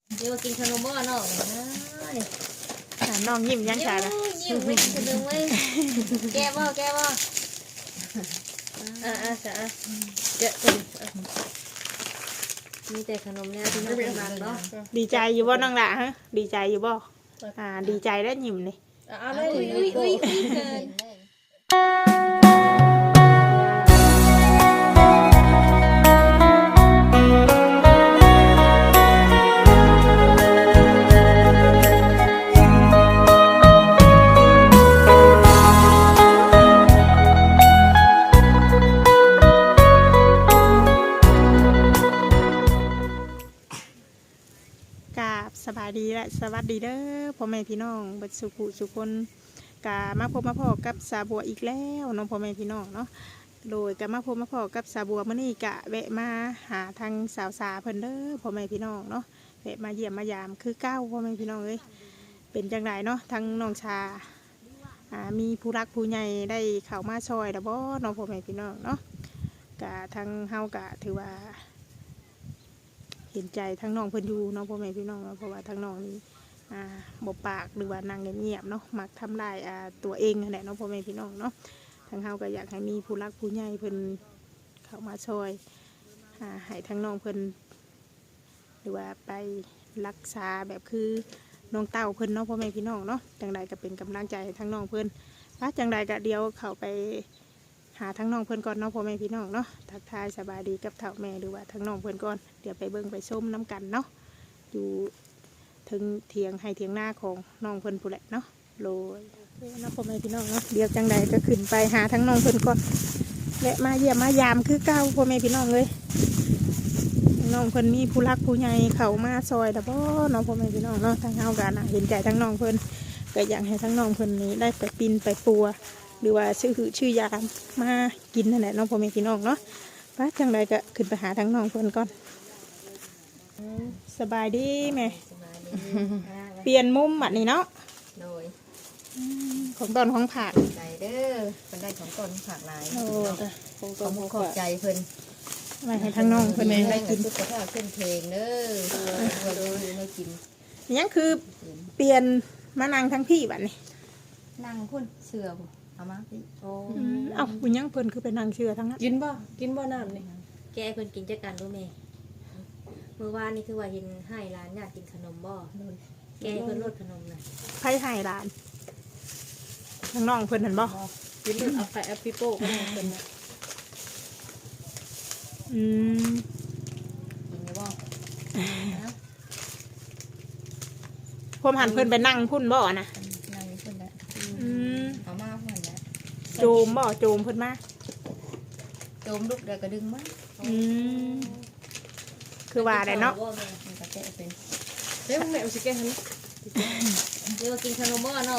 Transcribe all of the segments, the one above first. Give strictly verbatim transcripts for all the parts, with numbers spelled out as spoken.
เดี๋ยวกินขนมบ่เนาะน้องยิ้มยังชาละยิ้มไม่กินขนมเว้ยแก้บ่แก้บ่อ่าอ่าจ้ะเดี๋ยวมีแต่ขนมเนี่ยที่น่ากินมากเนาะดีใจอยู่บ่น้องละฮะดีใจอยู่บ่อ่าดีใจแล้วยิ้มนี่เอาเลยอุ้ยอุ้ยอุ้ยเกินสบายดีและสวัสดีเด้อพ่อแม่พี่น้องบัดสุขุสุคนกามาพบมาพอกับสาบัวอีกแล้วน้องพ่อแม่พี่น้องเนาะโดยกามาพบมาพอกับสาบัวมื้อนี้กะแวะมาหาทางสาวสาเพิ่นเด้อพ่อแม่พี่น้องเนาะแวะมาเยี่ยมมายามคือเก้าพ่อแม่พี่น้องเอ้ยเป็นจังไดเนาะทั้งน้องชาอ่ามีผู้รักผู้ใหญ่ได้เข้ามาช่วยแล้วบ่น้องพ่อแม่พี่น้องเนาะกะทางเฮากะถือว่าเห็นใจทั้งน้องเพิ่นอยู่น้องพ่อแม่พี่น้องเพราะว่าทั้งน้องนี่อ่าบ่ปากหรือว่านั่งเงียบๆเนาะมักทำลายอ่าตัวเองนั่นแหละน้องพ่อแม่พี่น้องเนาะทั้งเฮาก็อยากให้มีผู้รักผู้ใหญ่เพิ่นเข้ามาช่วยอ่าให้ทั้งน้องเพิ่นหรือว่าไปรักษาแบบคือน้องเต้าเพิ่นเนาะพ่อแม่พี่น้องเนาะจังใดก็เป็นกำลังใจให้ทั้งน้องเพิ่นว่าจังใดก็เดี๋ยวเข้าไปหาทั้งน้องเพื่อนก่อนเนาะพ่อแม่พี่น้องเนาะทักทายสบายดีกับเถ่าแม่หรือว่าทั้งน้องเพื่อนก่อนเดี๋ยวไปเบิ่งไปส้มน้ำกันเนาะอยู่ถึงเถียงให้เถียงหน้าของน้องเพื่อนผู้แหละเนาะโรยเนาะพ่อแม่พี่น้องเนาะเดี๋ยวจังใดก็ขึ้นไปหาทั้งน้องเพื่อนก่อนและมาเยี่ยมมายามคือเก้าพ่อแม่พี่น้องเลยน้องเพื่อนมีผู้รักผู้ใหญ่เขามาซอยแต่พ่อน้องพ่อแม่พี่น้องเนาะทั้งเฮากันเห็นใจทั้งน้องเพื่อนก็อยากให้ทั้งน้องเพื่อนนี้ได้ไปปีนไปปัวหรือว่าชื่อชื่อยามากินนั่นแหละน้องพ่อแม่พี่น้องเนาะป้าจังใดก็ขึ้นไปหาทั้งน้องเพื่อนก่อนสบายดีไหมเปลี่ยนมุมแบบนี้เนาะโดยของตอนของผักใจเด้อเป็นได้ของตอนผักลายโอ้ของตอนของขอบใจเพิ่นมาให้ทั้งน้องเพิ่นได้กินสุขภาพเส้นเพลงเด้อดูดูไม่กินยังคือเปลี่ยนมานั่งทั้งพี่แบบนี้นั่งพุ่นเสือบ่เอามาพี่โอ้เอ้าคุณยังเพิ่นคือไปนั่งเชื่อทั้งนั้นกินบ่กินบ่น้ำนี่แกเพิ่นกินจักกันรู้ไหมเมื่อวานนี่คือว่าเห็นให้ร้านอยากกินขนมบ่แกเพิ่นลดขนมน่ะไผให้ร้านทั้งน้องเพิ่นเห็นบ่กินเพิ่นเอาไปแอปปิโป้ก็ได้เพิ่นน่ะอืมกินได้บ่ผมหันเพิ่นไปนั่งพุ่นบ่นะนั่งนี่พุ่นแล้วอืมเอามาพุ่นแล้วโจมบ่โจมเพิ่นมาโจมลุกเดี๋ยวก็ดึงมาอืมคือว่าได้เนาะมันก็แกะเป็นเฮ้ยแม่เอาสิแกะให้เดี๋ยวกินขนมบ่เนาะ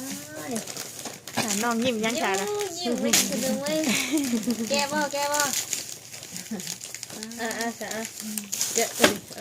น้องยิ้มยังชาละยิ้มไม่กินขนมเว้ยแก้บ่แก้บ่อ่าอ่าจ้ะเดี๋ยว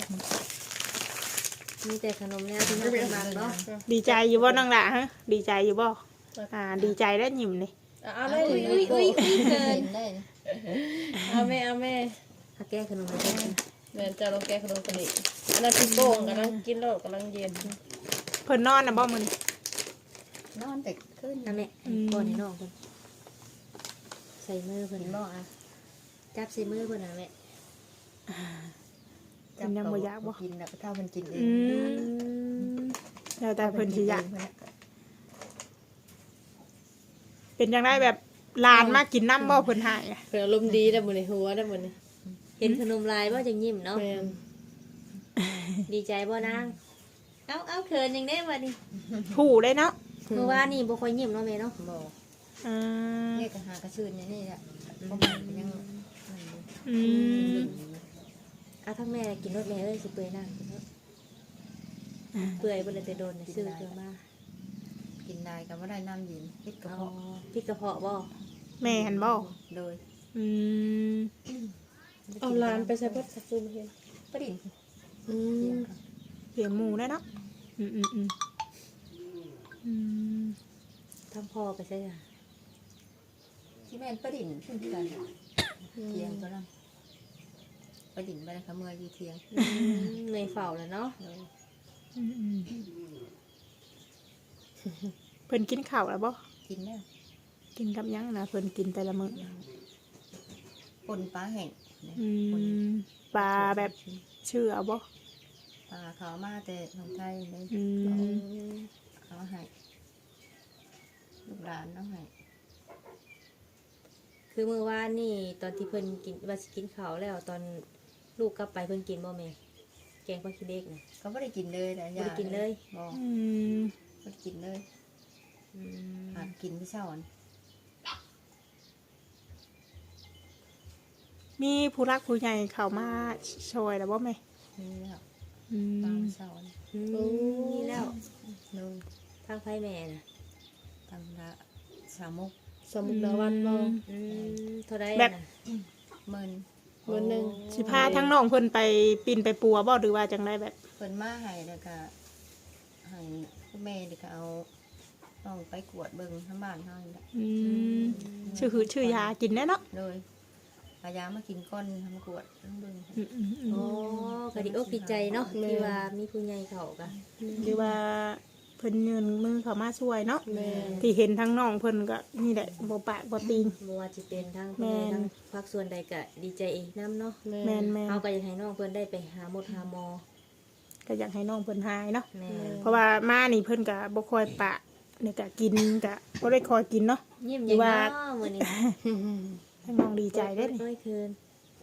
มีแต่ขนมเนี่ยที่น่ากินมากเนาะดีใจอยู่บ่น้องละฮะดีใจอยู่บ่อ่าดีใจแล้วยิ้มนี่เอาเลยอุ้ยอุ้ยอุ้ยเกินเอาแม่เอาแม่ถ้าแก้ขนมไม่ได้แม่จะลองแก้ขนมกันดิอันนั้นปิโป้กำลังกินแล้วกำลังเย็นเพิ่นนอนนะบ่มื้อนนอนแต่ขึ้นนะแม่ก่อนให้น้องเพิ่นใส่มือเพิ่นบ่อ่ะจับใส่มือเพิ่นน่ะแม่จับยังบ่อยากบ่กินแล้วก็เท่าเพิ่นกินเองแล้วแต่เพิ่นสิอยากเป็นจังได๋แบบหลานมากินน้ำบ่เพิ่นให้เพิ่นอารมณ์ดีได้มื้อนี้หัวได้มื้อนี้เห็นขนมลายบ่จังยิ้มเนาะดีใจบ่นางเอ้าเอ้าเขินจังได๋บัดนี้ผู้ได้เนาะเมื่อวานนี่บ่ค่อยยิ้มเนาะแม่เนาะบ่อ่าเนี่ยก็หากระชื่นนี่แหละบ่ยังอืมอ่ะทั้งแม่กินรสแม่เอ้ยสิเปื่อยนางกินรสเปื่อยบ่ได้แต่โดนซื้อเกลือมากินได้ก็บ่ได้น้ำเย็นพริกกระเพาะพริกกระเพาะบ่แม่หันบ่โดยอืมเอาลานไปใส่เบิดสักซูมเห็นปดิ่งอืมเลี้ยงหมูได้เนาะอืมอืมอืมอืมทำพอไปใช่ไหมที่แม่นปดิ่งขึ้นที่กันเลี้ยงก็นั่งไปดิ่งไปเลยค่ะเมื่ออยู่เที่ยงอืมในเฝ้าแล้วเนาะเลยอืมๆเพิ่นกินข้าวแล้วบ่กินแล้วกินกับหยังนะเพิ่นกินแต่ละมื้อปนปลาแห้งเนี่ยอืปนมปลาแบบชื่อเอาบ่ปลาเขามาแต่ของไทยเลยอือืมมเขาให้ลูกหลานน้องให้คือมื้อวานนี่ตอนที่เพิ่นกินว่าสิกินข้าวแล้วตอนลูกกลับไปเพิ่นกินบ่แม่แกงผักขี้เหล็กน่ะก็ไม่ได้กินเลยแต่บ่ได้กินเลยบอกอืมไม่ได้กินเลยอืมหากินที่เช้าอันมีผู้รักผู้ใหญ่เข้ามาช่วยแล้วบ่แม่นี่แล้วอืปลาม เช้าอันอืมนี่แล้วเลยทางไผแม่น่ะทำละสามมุกสมุกดาวันบ่อืมเท่าใดแบบน่ะเมินเงินหนึงสิพาทั้งน้องเพิ่นไปปิ่นไปปัวบ่หรือว่าจังไดแบบเพิ่นมาให้แล้วก็ให้คุณแม่เด็กก็เอาน้องไปกวดเบิ่งทั้งบ้านเฮานี่แหละอืมชื่อคือชื่อยากินแน่เนาะเลยพายามากินก้อนทำกวดทั้งเบิ่งอืมอืมอืมโอ้ก็ดีอกดีใจเนาะที่ว่ามีผู้ใหญ่เข้าก็หรือว่าเพิ่นยืนมือเข้ามาช่วยเนาะแม่ที่เห็นทั้งน้องเพิ่นก็นี่แหละบ่ปากบ่ตีนบ่ว่าสิเป็นทางผู้ใหญ่แม่นทางภาคส่วนใดก็ดีใจอีกนํเนาะแม่แม่นแม่นเฮาก็อยากให้น้องเพิ่นได้ไปหาหมดหาหมอก็อยากให้น้องเพิ่นหายเนาะแม่เพราะว่ามานี่เพิ่นก็บ่ค่อยปะนี่ก็กินก็บ่ได้คอยกินเนาะยิ้มหรืยังอว่าเนาะมื้อนี้ทั้งน้องดีใจได้อนี่โอ้ยคืน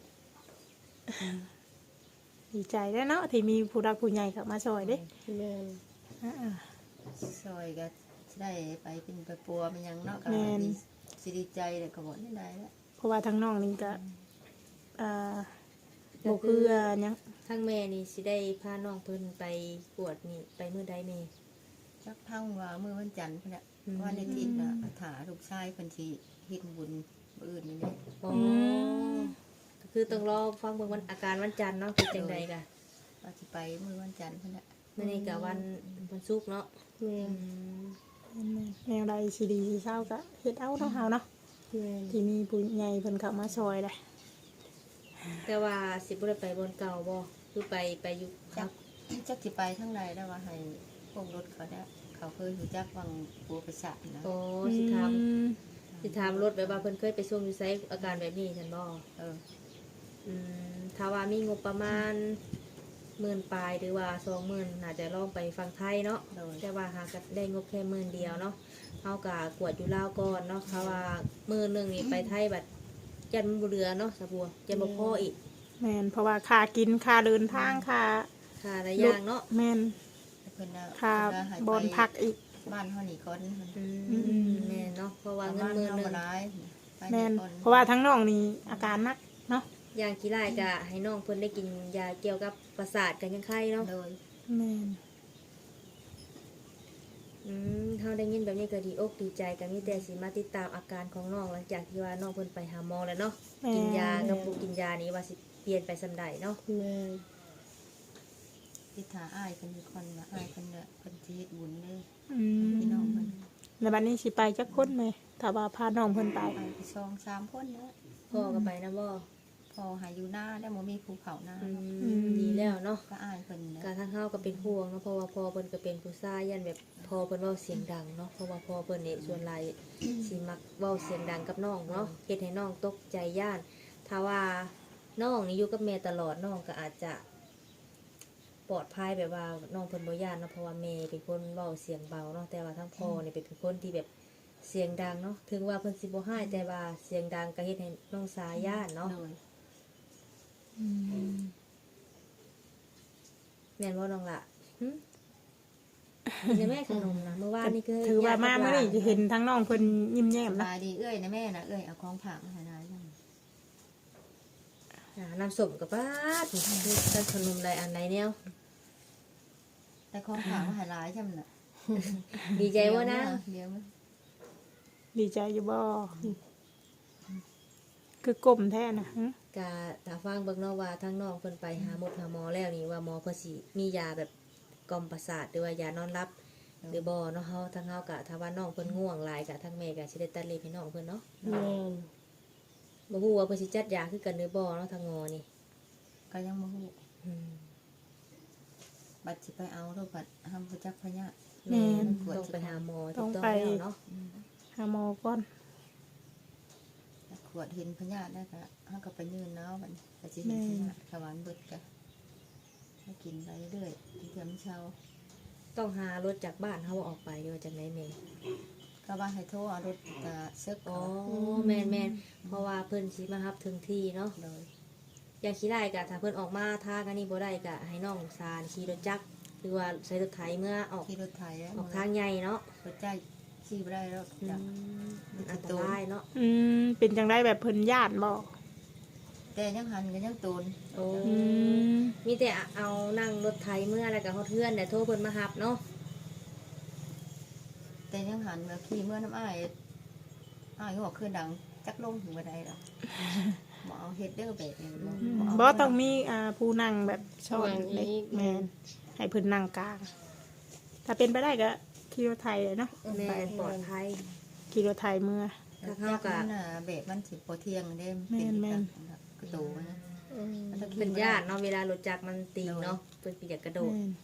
ดีใจได้อเนาะที่มีผู้รักผู้ใหญ่เข้ามาช่วยเด้แม่นอ่าซอยก็สิได้ไปเป็นไปปัวมันยังเนาะก็แม่นดีสิดีใจเลยก็บ่ได้ได้แล้วเพราะว่าทั้งน้องนี่ก็อ่าบ่คืออ่าหยังทางแม่นี่สิได้พาน้องเพิ่นไปกวดนี่ไปมื้อใดแม่จักพังว่ามื้อวันจันทร์พุ่นน่ะอืมวันอาทิตย์น่ะถาลูกชายเพิ่นสิเฮ็ดบุญมื้ออื่นนี่แหละอ๋อก็คือต้องรอฟังเบิ่งวันอาการวันจันทร์เนาะเป็นจังไดก็ว่าสิไปมื้อวันจันทร์พุ่นน่ะมื้อนี้ก็วันวันศุกร์เนาะแม่อืนมแนวใดสิดีสิเศร้าก็เฮ็ดเอาเนาะเฮาเนาะแม่นที่มีผู้ใหญ่เพิ่นเข้ามาช่วยได้แต่ว่าสิบ่ได้ไปบนเก่าบ่คือไปไปอยู่คจัรักบจักสิไปทางใดได้ว่าให้พวกรถเขาได้เขาเคยรู้จักวังปัวประสาทนะโอ้สิถามอืมสิถามรถแบบว่าเพิ่นเคยไปส่งอยู่ไสอาการแบบนี้ฉันบ่เอออืมถ้าว่ามีงบประมาณหมื่นปลายหรือว่าสองหมื่นน่าจะลองไปฟังไทยเนาะโดยแต่ว่าหาก็ได้งบแค่หมื่นเดียวเนาะเฮากะกวดอยู่ลาวก่อนเนาะเพราะว่าหมื่นหนึงนี่ไปไทยบัดยันมันบ่เหลือเนาะสะบัวยันบ่พออีกแม่นเพราะว่าค่ากินค่าเดินทางค่าค่าหลายอย่างเนาะแม่นเพิ่นน่ะค่าเพิ่นน่ะให้บอนพักอีกบ้านเฮานี่ก่อนเพิ่นอือืมมแม่นเนาะเพราะว่าเงินบ้านหมื่นเฮาหนึบ่งหลายไปแม่นก่อนเพราะว่าทั้งน้องนี่อาการหนักเนาะอย่างกี่รายก็ให้น้องเพิ่นได้กินยาเกี่ยวกับประสาทกันยังไข้เนาะโดยแม่นอืมเฮาได้ยินแบบนี้ก็ดีอกดีใจก็มีแต่สิมาติดตามอาการของน้องหลังจากที่ว่าน้องเพิ่นไปหาหมอแล้วเนาะแม่กินยากับบ่กินยานี้ว่าสิเปลี่ยนไปส่ำใดเนาะแม่นที่ถาอ้ายเพิ่นอยู่คนว่าอ้ายเพิ่นน่ะเพิ่นสิเฮ็ดบุญเด้ออืมพี่น้องเพิ่นแล้วบัดนี้สิไปจักคนแม่ถ้าว่าพาน้องเพิ่นไปไปสองสามคนนะพ่อก็ไปนะบ่พอหาอยู่หน้าได้บ่มีภูเขาหน้าอือืมมดีแล้วเนาะก็อ้ายเพิ่นนะการทางเฮาก็เป็นห่วงเนาะเพราะว่าพ่อเพิ่นก็เป็นผู้ชายยันแบบพ่อเพิ่นเว้าเสียงดังเนาะเพราะว่าพ่อเพิ่นนี่ส่วนหลายสิมักเว้าเสียงดังกับน้องเนาะเฮ็ดให้น้องตกใจย่านถ้าว่าน้องนี่อยู่กับแม่ตลอดน้องก็อาจจะปลอดภัยแบบว่าน้องเพิ่นบ่ย่านเนาะเพราะว่าแม่เป็นคนเว้าเสียงเบาเนาะแต่ว่าทั้งพ่อนี่เป็นคนที่แบบเสียงดังเนาะถึงว่าเพิ่นสิบ่ให้แต่ว่าเสียงดังก็เฮ็ดให้น้องสายย่านเนาะโดยอืมแม่นบ่น้องล่ะหึกินได้แม่ขนมนะเมื่อวานนี่คือถือว่ามามื้อนี้จะเห็นญาติทั้งน้องเพิ่นยิ้มแย้มสนะบายดีเอ้ยนะแม่นะเอ้ยเอาของผักมาให้นายจังอ่าน้ำส้มกับป้าดคือกันขนมอะไรอันไหนแนวแต่ของผักมาให้หลายจังน่ะดีใจว่านะเดี๋ยวมั้ยดีใจอยู่บ่คือกลมแท้นะหึกะตาฟังเบิ่งเนาะว่าทั้งน้องเพิ่นไปหาหมอหาหมอแล้วนี่ว่าหมอเพิ่นสิมียาแบบกล่อมประสาทหรือว่ายานอนหลับ หรือบ่เนาะเฮาทั้งเฮากะถ้าว่าน้องเพิ่นง่วงหลายกะทั้งแม่กะสิได้ตัดเล็บให้น้องเพิ่นเนาะแม่นบ่ฮู้ว่าเพิ่นสิจัดยาคือกันหรือบ่เนาะทางงอนี่ก็ยังบ่ฮู้อืมบัดสิไปเอาโรคบัดห้ามประจักษ์พญาแม่มันปวดต้องสิไปไปหาหาหมอต้ถูองกต้องไปแล้วเนาะหาหมอก่อนขวดเห็นพญาได้ก็ห้ามก็ไปยืนเนาะบัดนี้ก็สิเห็นพญาขวานเบิดก็ให้กินไปเรื่อยๆเทียมเช้าต้องหารถจากบ้านเฮาออกไปหรือว่าจากไหนแม่ก็ว่าให้โทรเอารถตาเซึกอ๋อเอาแม่นแม่นเพราะว่าเพิ่นสิมารับถึงที่เนาะโดยอย่างขี่ได้ก็ถ้าเพิ่นออกมาทางอันนี้บ่ได้ก็ให้น้องซานขี่รถจักรหรือว่าใช้รถไถเมื่อออกขี่รถไถแล้วออกทางใหญ่เนาะรถใจขี่บ่ได้แล้วอืจ้ะมมันอันตรายเนาะอืมเป็นจังไดแบบเพิ่นญาติบ่แต่ยังหันก็ยังตูนโอ้อืมมีแต่เอานั่งรถไถเมื่อแล้วก็ฮอดเพื่อนแต่โทรเพิ่นมารับเนาะแต่ยังหันมาขี่เมื่อน้ำอ้ายอ้ายก็บอกคือดังจักลงถึงบ่ได้ดอกบ่เอาเฮ็ดเด้อแบบนี้บ่เอาบ่ต้องมีอ่าผู้นั่งแบบช้อนเล็กแม่นให้เพิ่นนั่งกลาง ถ้าเป็นไปได้ก็ขี่รถไถเลยเนาะแม่นปลอดภัยขี่รถไถเมื่อถ้าจัเฮาก ก็มันน่ะแบบมันสิบ่เที่ยงเด้เป็นแม่นกระโดดนะอืมมันต้องขี่เป็นญาติเนาะเวลารถจักรมันตีงเนาะเพิ่นสิอยากกระโดดแม่น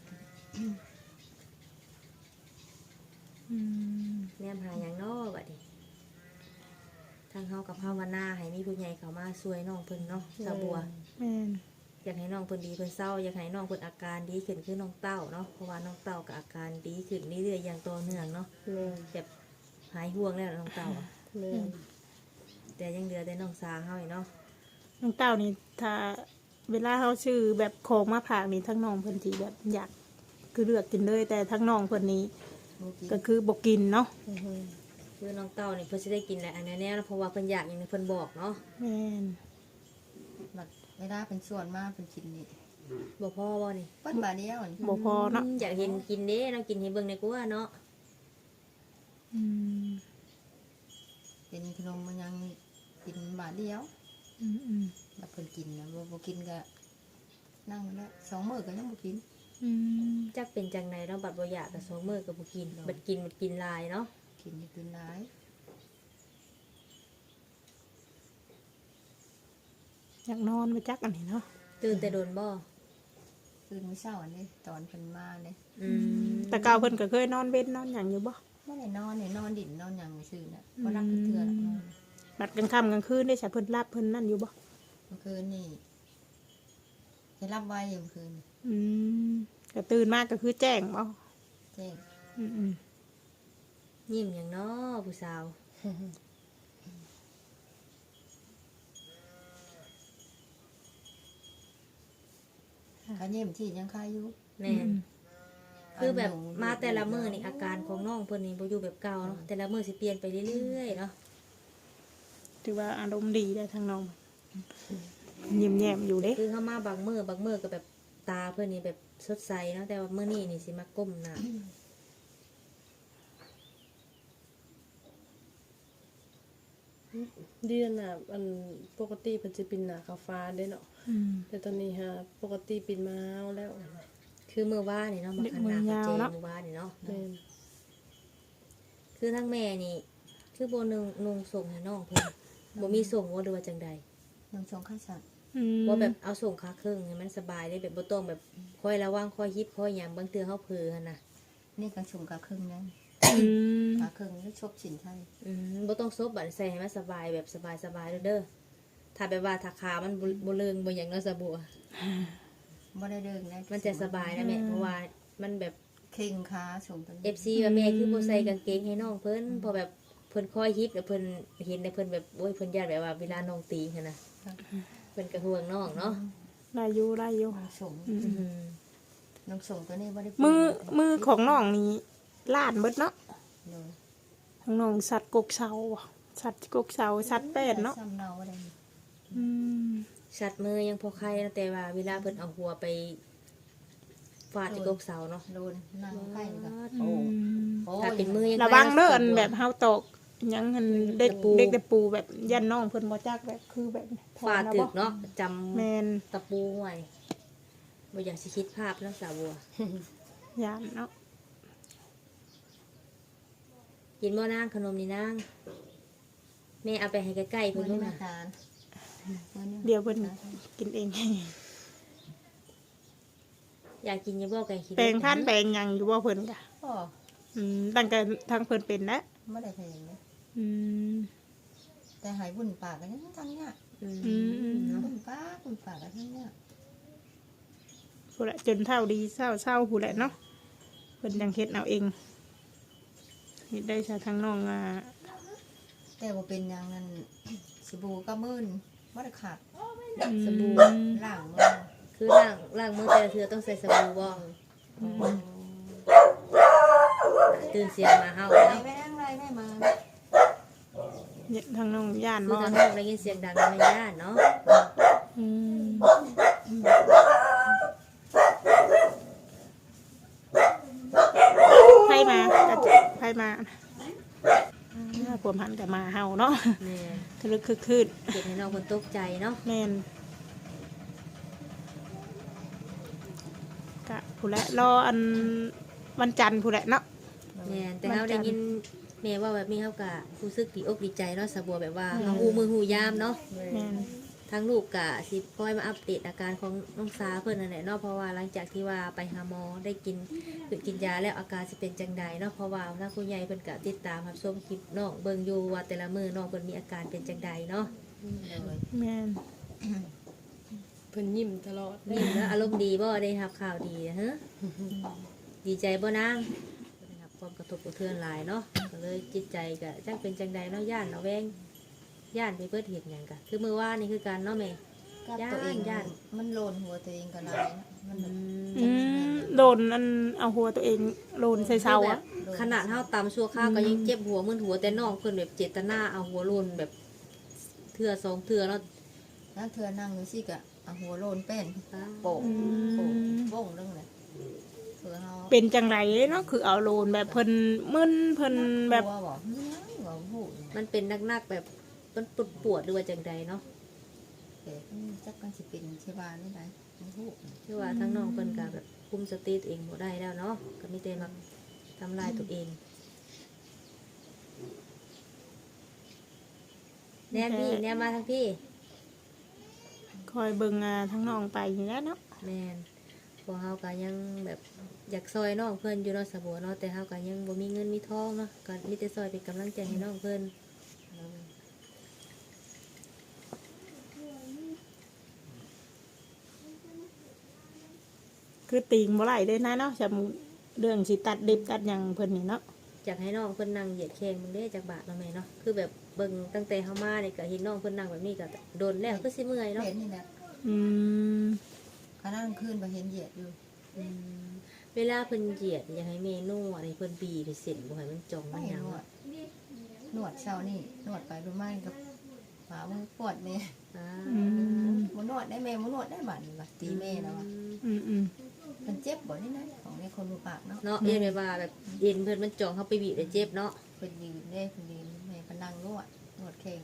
อืมแนมหาหยังเนาะบัดนี้ทางเฮากับภาวนาให้มีผู้ใหญ่เข้ามาช่วยน้องเพิ่นเนาะสาวบัวแม่นอยากให้น้องเพิ่นดีเพิ่นเศร้าอยากให้น้องเพิ่นอาการดีขึ้นคือน้องเต้าเนาะเพราะว่าน้องเต้าก็อาการดีขึ้นเรื่อยๆอย่างต่อเนื่องเนาะแม่นแบบหายห่วงแล้วน้องเต้าอะแม่นแต่ยังเหลือแต่น้องสาเฮาอีกเนาะน้องเต้านี่ถ้าเวลาเขาชื่อแบบของมาผากนี่ทั้งน้องเพิ่นสิแบบอยากคือเลือกกินเลยแต่ทั้งน้องเพิ่นนี้บ่กินก็คือบ่กินเนาะอือฮึคือน้องเต้านี่เพิ่นสิได้กินแหละอันแน่ๆเพราะว่าเพิ่นอยากอย่างที่เพิ่นบอกเนาะแม่นบัดเวลาเป็นส่วนมากเป็นกินนี่บ่พอบ่นี่เปิ้นบาดเดียวนี่บ่พอเนาะมอยากเห็นกินเด้เนาะกินให้เบิ่งในกลัวเนาะอืมเป็นขนมมันยังกินบาดเดียวอืมอืมบัดเพิ่นกินนะบ่บ่กินก็นั่งแล้วสองมื้อก็ยังบ่กินอืมจักเป็นจังไดเนาะบัดบ่อยากก็สองมื้อก็บ่กินบัดกินบัดกินหลายเนาะกินนี่กินหลายอยากนอนไปจักอันนี้เนาะตื่นแต่โดนบ่ตื่นมื้อเช้าอันนี้ตอนเพิ่นมาเนี่ยอืมแต่เก่าเพิ่นก็เคยนอนเว้นนอนหยังอยู่บ่บ่ได้นอนนี่นอนดินนอนหยังซื่อน่ะบ่รับเทื่อละนอนบัดกลางค่ำกลางคืนได้ใช้เพิ่นรับเพิ่นนั่นอยู่บ่เมื่อคืนนี่ให้รับไว้อยู่เมื่อคืนอืมก็ตื่นมากก็คือแจ้งบ่แจ้งอืมอืมยิ้มหยังเนาะผู้สาวก็เยี่ยมที่ยังคายอยู่แม่นคือแบบมาแต่ละมื้อนี่อาการของน้องเพิ่นนี่บ่อยู่แบบเก่าเนาะแต่ละมื้อสิเปลี่ยนไปเรื่อยๆเนาะถือว่าอารมณ์ดีได้ทั้งน้องยิ้มแย้มอยู่เด้คือเข้ามาบางมื้อบางมื้อก็แบบตาเพิ่นนี่แบบสดใสเนาะแต่ว่ามื้อนี้นี่สิมาก้มหน้าเดือนน่ะอันปกติเพิ่นสิปินหน้าขาวฟ้าเด้เนาะอืมแต่ตอนนี้ฮะปกติปินมาแล้วคือมื้อว่านนี่เนาะมาคันหน้ามือยาวเจเนาะมื้อว่านนี่เนาะแม่นคือทั้งแม่นี่คือบ่นึงนุ่งส่งให้น้องเพิ่นบ่มีส่งบ่หรือว่าจังใดน้องชงข้าวสัตว์อืมว่าแบบเอาส่งขาครึ่งให้มันสบายได้แบบบ่ต้องแบบคอยระวังคอยยิบคอยหยังบางเทื่อเฮาเผลอหั่นน่ะนี่ก็ชงกับครึ่งนึงอืมกับครึ่งแล้วชบสินไทยอืมบ่ต้องซบบัดใส่ให้มันสบายแบบสบายๆเด้อเด้อถ้าแบบว่าถ้าขามันบ่บ่เลิงบ่หยังเนาะสะบัวบ่ได้เดินนะมันจะสบายนะแม่เพราะว่ามันแบบเข่งขาชงตัวนี้เอฟ ซี ว่าแม่คือบ่ใส่กางเกงให้น้องเพิ่นเพอแบบเพิ่นคอยฮิปแล้วเพิ่นเห็นแล้วเพิ่นแบบโอ้ยเพิ่นญาติแบบว่าเวลาน้องตีหั่นน่ะเพิ่นก็ห่วงน้องเนาะลายอยู่ลายอยู่น้องชงอืมอืมน้องชงตัวนี้บ่ได้มือมือของน้องนี่ล้านเบิดเนาะโดยของน้องสัตว์กกเสาบ่สัตว์กกเสาสัตว์แปดเนาะซ้ำเนาบ่ได้อืมชัดมือยังพอใครนะแต่ว่าเวลาเพิ่นเอาหัวไปฟาดที่กกเสาเนาะโดนนั่งใกล้กันอืโอ้มโอ้ถ้าเป็นมือยังระวังเด้ออันไปแบบเฮาตกหยังหันเด็กเด็กตะปูแบบยันน้องเพิ่นบ่จักแบบคือแบบฟาดถึกเนาะจำแม่นตะปูไว้บ่อยากสิคิดภาพเนาะสาวบัวยานเนาะกินบ่นางขนมนี่นางแม่เอาไปให้ใกล้ๆเพิ่เพิ่นนไม่ด้วยมานะทานเดี๋ยวเพิ่นกินเองอยากกินอยังบ่ไก่ขี้แปลงพันธุ์แปลงหยังอยู่บ่เพิ่นกะก็อืมตั้งแต่ทางเพิ่นเป็นแล้วไม่ได้เพลงเลยอืมแต่หายบุญปากกันยังทั้งเนี่ยอืมอืมเนาะบุญปากบุญปากกันทั้งเนี่ยผู้ละจนเท่าดีเศร้าเศร้าผู้ละเนาะเพิ่นยังเฮ็ดเอาเองเฮ็ดได้ชาทางน้องอ่าแต่ว่าเป็นอย่างนั้นสบู่ก็มื่นไม่ได้ขาดสบู่ล่างมือคือล้างล้างมือแต่ละเทื่อต้องใส่สบู่บ่ตื่นเสียงมาเฮาไรเนาะไม่นั่งไรไม่มาเนี่ยทางน้องย่านคือบ่ทางนเนาะอกได้ยินเสียงดังในย่านเนาะอืมไผมากระจกไผมาอ่าพวกมันก็มาเฮาเนาะแม่นทะลึกคึกคืนเฮ็ดให้น้องเพิ่นตกใจเนาะแม่นกะผู้ละรออันวันจันทร์ผู้ละเนาะแม่นแต่เฮาได้ยินแม่ว่าแบบนี้เฮาก็รู้สึกดีอกดีใจเนาะสะบัวแบบว่าเฮาฮู้มือฮู้ยามเนาะแม่นทั้งลูกกะสิคอยมาอัปเดตอาการของน้องสาเพิ่นนั่นแหละเนาะเพราะว่าหลังจากที่ว่าไปหาหมอได้กินหยุดกินยาแล้วอาการสิเป็นจังใดเนาะเพราะว่าทางผู้ใหญ่เพิ่นกะติดตามรับชมคลิปน้องเบิ่งอยู่ว่าแต่ละมื้อน้องเพิ่นมีอาการเป็นจังใดเนาะเลยแม่นเพิ่นยิ้มตลอดนี่แล้วอารมณ์ดีบ่ได้รับข่าวดีฮะดีใจบ่นางได้รับความกระทบกระเทือนหลายเนาะก็เลยจิตใจก็จักเป็นจังใดเนาะย่านเนาะแวงย่านไปเบิดเฮ็ดหยังกะคือมื้อวานนี่คือการเนาะแม่กับตัวเองย่านมันโลนหัวตัวเองก็หลายนะมันอืแบบมอืมโดนอันเอาหัวตัวเองโลนใส่เสาอะขนาดเท่าตำชั่วข้าวก็ยังเจ็บหัวมึนหัวแต่น้องเพิ่นแบบเจตนาเอาหัวโลนแบบเทื่อสองเทื่อแล้วนั่งเธอนั่งอยู่สิกะเอาหัวโลนเป็นโป่งอืโป่งมโป่งเรื่องเลยเผื่อเฮาเป็นจังไรเนาะคือเอาโลนแบบเพิ่นมึนเพิ่นแบบกลัวบอกเฮ้ยว่าพูดมันเป็นนักๆแบบมันปวดปวดๆหรือว่าจังใดเนาะแต่จักกันสิเป็นชีวานี่ไหนมันพูดคือว่าทั้งน้องเพิ่นก็แบบคุมสติตัวเองบ่ได้แล้วเนาะก็มีแต่มาทำลายตัวเองแน่พี่แน่มาทั้งพี่คอยเบิ่งอ่าทั้งน้องไปอย่างนี้เนาะแม่นพวกเฮาก็ยังแบบอยากซอยน้องเพิ่นอยู่เนาะสะบัวเนาะแต่เฮาก็ยังบ่มีเงินมีทองเนาะก็มีแต่ซอยเป็นกำลังใจให้น้องเพิ่นคือติงบ่ไหลได้นะเนาะจะเรื่องสิตัดเด็บตัดหยังเพิ่นนี่เนาะอยากให้น้องเพิ่นนั่งเหยียดแข้งมึงเด้จากบาทเนาะแม่เนาะคือแบบเบิ่งตั้งแต่เฮามานี่ก็เห็นน้องเพิ่นนั่งแบบนี้ก็โดนแล้วคือสิเมื่อยเนาะเห็นนี่แหละอืมขณะกลางคืนไปเห็นเหยียดอยู่อืมเวลาเพิ่นเหยียดอยากให้แม่นวดให้เพิ่นบีบให้เส้นบ่ให้มันจองมัไม่นหยังนวดนวดเช้านี่นวดไปดูไม่กับหมามือปวดเนี่ยอ่าอืมมันนวดได้แม่มันนวดได้บัดนี่บัดตีแม่แล้วอะอืมอืมมันเจ็บบ่นี่นะของในคนรูปากเนาะเนาะเอ็นแบบว่าแบบเอ็นเพิ่นมันจองเฮาไปบีบได้เจ็บเนาะเป็นยืนได้เป็นยืนแม่ก็นั่งนวดนวดแข้ง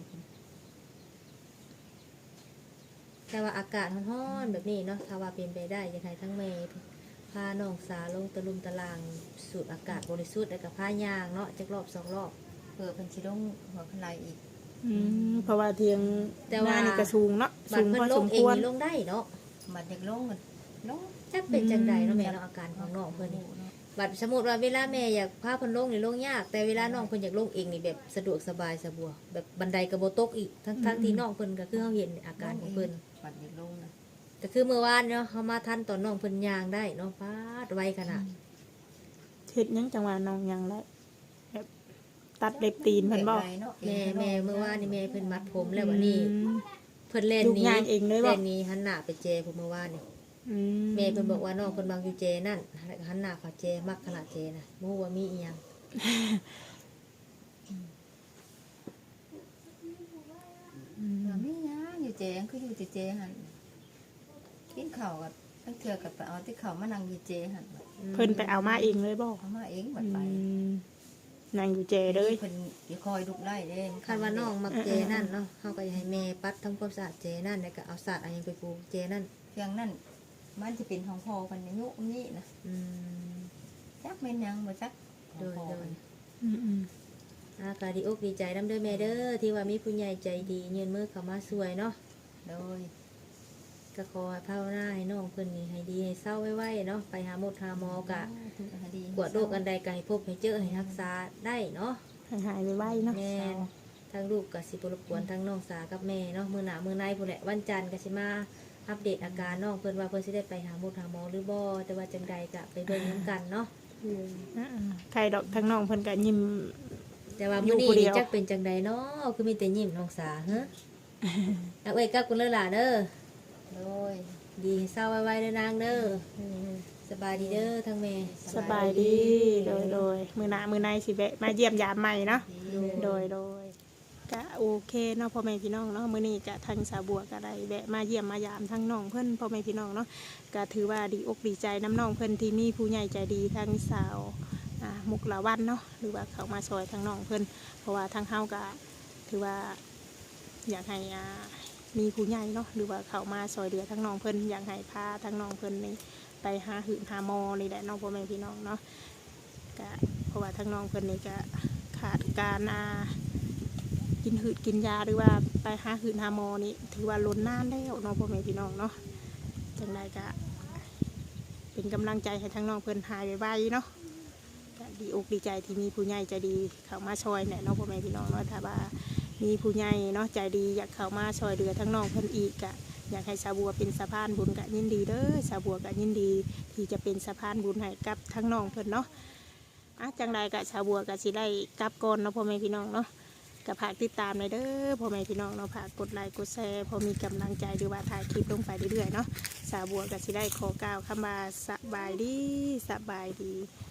แต่ว่าอากาศร้อนๆแบบนี้เนาะถ้าว่าเป็นไปได้อยากให้ทั้งแม่พาน้องสาลงตะลุมตะลางสูดอากาศบริสุทธิ์แล้วก็พายางเนาะจักรอบสองรอบเผื่อเป็นชิลงหัวพลายอีกอืมเพราะว่าเทียงแต่ว่าหน้นี่ก็สูงเนาะบัสูดงเพิ่พอนลสงมเอคงวรนี่ลงได้เนาะบัดเด็กลงมันลงจักเป็นจังใดเนาะแม่เนาะอาการของน้องเพิ่นนี่ บัดสมมติว่าเวลาแม่อยากพาเพิ่นลงนี่ลงยากแต่เวลาน้องเพิ่นอยากลงเองนี่แบบสะดวกสบายสะบัวแบบบันไดก็บ่ตกอีกทั้งทั้งที่น้องเพิ่นก็คือเฮาเห็นอาการของเพิ่นบัดเด็กลงนะก็คือเมื่อวานเนาะเฮามาทันตอนน้องเพิ่นย่างได้เนาะฟาดไวขนาดเฮ็ดหยังจังหวะน้องหยังได้แบบตัดเล็บตีนเพิ่นบ่แม่แม่เมื่อวานนี่แม่เพิ่นมัดผมแล้ววันนี้อืมเพิ่นเล่นลูกนี้ย่างเองเลยบ่เล่นนี้หันหน้าไปเจผมเมื่อวานนี่อืมแม่เพิ่นบอกว่าน้องเพิ่นบางอยู่เจนั่นหันหน้าเข้าเจมักขนาดเจน่ะบ่ฮู้ว่ามีอีหยังไม่ยาอยู่เจงคืออยู่ที่เจหันกินข้าวกับตั้งเทือกับไปเอาที่ข้าวมานั่งอยู่เจหันเพิ่นไปเอามาเองเลยบ่เอามาเองบัดอืไปมนั่งอยู่เจเลยเพิ่นสิคอยลุกไล่เด้คันว่าน้องมักเจนั่นเนาะเฮาก็อยากให้แม่ปัดทำความสะอาดเจนั่นแล้วก็เอาสาดเอาหยังไปปูเจนั่นเพียงนั่นมันจะเป็นของพ่อเพิ่นอายุนี้นะอืมจักแม่นยังบ่จักของพ่อโดยเพิ่นอืมอืมอากาดีอกดีใจน้ำเด้อแม่เด้อที่ว่ามีผู้ใหญ่ใจดียืนมือเข้ามาช่วยเนาะโดยก็ก็ขอให้ภาวนาให้น้องเพิ่นนี่ให้ดีให้เศร้าไว้ๆเนาะไปหาหมอหาหมอกะกวดโรคอันใดก็ให้พบให้เจอให้รักษาได้เนาะให้หายไวๆเนาะแม่นทั้งลูกก็สิบ่รบกวนทั้งน้องสากับแม่เนาะมื้อหน้ามื้อในพุ่นแหละวันจันทร์ก็สิมาอัปเดตอาการน้องเพิ่นว่าเพิ่นสิได้ไปหาหมอหาหมอหรือบ่แต่ว่าจังใดก็ไปเบิ่งนํกันเนาะอ่าใครดอกทั้งน้องเพิ่นก็ยิ้มแต่ว่าอยู่มื้อนี้ผู้เดีนี่ยวจักเป็นจังใดเนาะคือมีแต่ยิ้มน้องสาฮะ เอาเอ้ยกลับกันเลยล่ะเด้อโดยดีให้เศร้าไว้ๆเด้อนางเด้อสบายดีเด้อทั้งแม่สบายดีโดยโดยมือหน้ามือในสิแวะมาเยี่ยมยามใหม่เนาะโดยโดยก็โอเคเนาะพ่อแม่พี่น้องเนาะมื้อนี้ก็ทางสาวบัวก็ได้แวะมาเยี่ยมมายามทั้งน้องเพิ่นพ่อแม่พี่น้องเนาะก็ถือว่าดีอกดีใจน้ำน้องเพิ่นที่มีผู้ใหญ่ใจดีทั้งสาวอ่ามุกลาวันเนาะหรือว่าเขามาซอยทั้งน้องเพิ่นเพราะว่าทางเฮาก็ถือว่าอยากให้อ่ามีผู้ใหญ่เนาะหรือว่าเขามาซอยเดือทั้งน้องเพิ่นอยากให้พาทั้งน้องเพิ่นนี่ไปหาหืนหาหมอนี่แหละน้องพ่อแม่พี่น้องเนาะก็เพราะว่าทั้งน้องเพิ่นนี่ก็ขาดการอ่ากินหืดกินยาหรือว่าไปหาหืนหาหมอนี่ถือว่าล้นนานแล้วน้องพ่อแม่พี่น้องเนาะจังใดก็เป็นกำลังใจให้ทั้งน้องเพิ่นหายไวๆเนาะก็ดีอกดีใจที่มีผู้ใหญ่ใจดีเข้ามาช่วยเนี่ยน้องพ่อแม่พี่น้องเนาะถ้าว่ามีผู้ใหญ่เนาะใจดีอยากเข้ามาช่วยเหลือทั้งน้องเพิ่นอีกก็อยากให้สาวบัวเป็นสะพานบุญกะยินดีเด้อสาวบัวกะยินดีที่จะเป็นสะพานบุญให้กับทั้งน้องเพิ่นเนาะอ่ะจังใดกะสาวบัวกะสิได้กลับก่อนเนาะพ่อแม่พี่น้องเนาะกะฝากติดตามเลยเด้อพ่อแม่พี่น้องเนาะฝากกดไลค์กดแชร์พอมีกำลังใจหรือว่าถ่ายคลิปลงไปเรื่อยๆเนาะสาวบัวกะสิได้ขอกล่าวคำว่าสบายดีสบายดี